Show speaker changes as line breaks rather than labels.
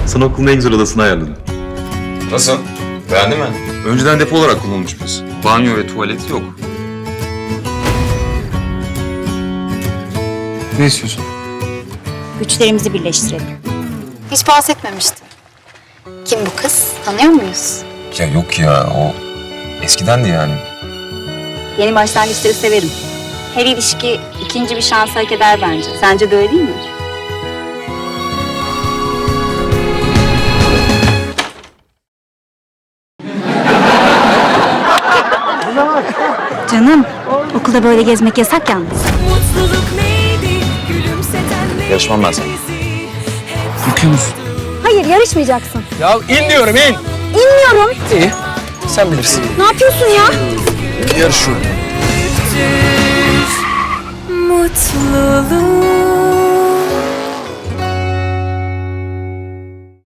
Sana okulun en güzel odasını ayarladım.
Nasıl? Beğendin mi?
Önceden depo olarak kullanılmış burası. Banyo ve tuvalet yok. Ne istiyorsun?
Güçlerimizi birleştirelim.
Hiç bahsetmemiştim. Kim bu kız? Tanıyor muyuz?
Ya yok ya, o eskidendi yani.
Yeni başlangıçları severim. Her ilişki ikinci bir şans hak eder bence. Sence de öyle değil mi? Canım, okulda böyle gezmek yasak yalnız.
Yarışmam ben sana.
Bakıyor musun?
Hayır, yarışmayacaksın.
Ya in diyorum in.
İnmiyorum.
İyi. Sen bilirsin.
Ne yapıyorsun ya?
Yarışıyorum.
Mutluluk